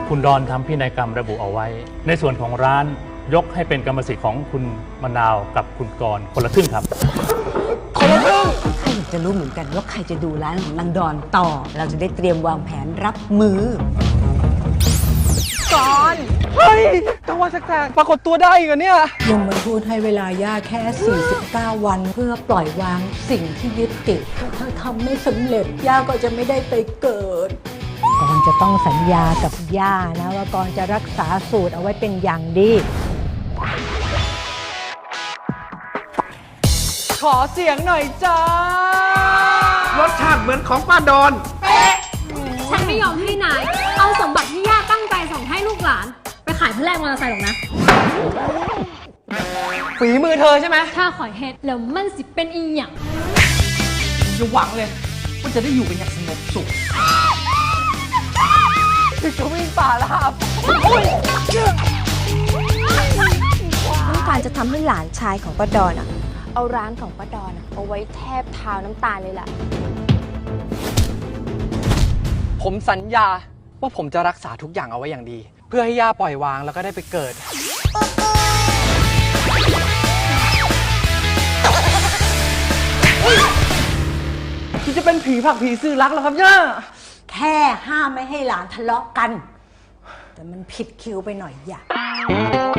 คุณดอนทำพินัยกรรมระบุเอาไว้ ในส่วนของร้านยกให้เป็นกรรมสิทธิ์ของคุณมะนาวกับคุณกรณ์คนละครึ่งครับคนละครึ่งใครอยากจะรู้เหมือนกันว่าใครจะดูร้านของนางดอนต่อเราจะได้เตรียมวางแผนรับมือก่อนเฮ้ยกลางวันแสกๆปรากฏตัวได้อีกเหรอเนี่ยยมทูตให้เวลาย่าแค่ 49 วันเพื่อปล่อยวางสิ่งที่ยึดติดถ้าทำไม่สำเร็จย่าก็จะไม่ได้ไปเกิดก่อนจะต้องสัญญากับย่านะว่าก่อนจะรักษาสูตรเอาไว้เป็นอย่างดีขอเสียงหน่อยจ้ารสชาติเหมือนของป้าดอนเป๊ะฉันไม่ยอมให้นายเอาสมบัติที่ย่าตั้งใจส่งให้ลูกหลานไปขายเพื่อแลกมอเตอร์ไซค์หรอกนะฝีมือเธอใช่ไหมถ้าขอยเฮ็ดแล้วมันสิเป็นอีหยังอย่าหวังเลยว่าจะได้อยู่กันอย่างสงบสุขจะวิ่งป่าแล้วครับต้องการจะทำให้หลานชายของป้าดอนเอาร้านของป้าดอนเอาไว้แทบเท้าน้ำตาลเลยล่ะผมสัญญาว่าผมจะรักษาทุกอย่างเอาไว้อย่างดี เพื่อให้ย่าปล่อยวางแล้วก็ได้ไปเกิดที่จะเป็นผีผักผีซื้อรักแล้วครับย่าแค่ห้ามไม่ให้หลานทะเลาะกันแต่มันผิดคิวไปหน่อยอย่า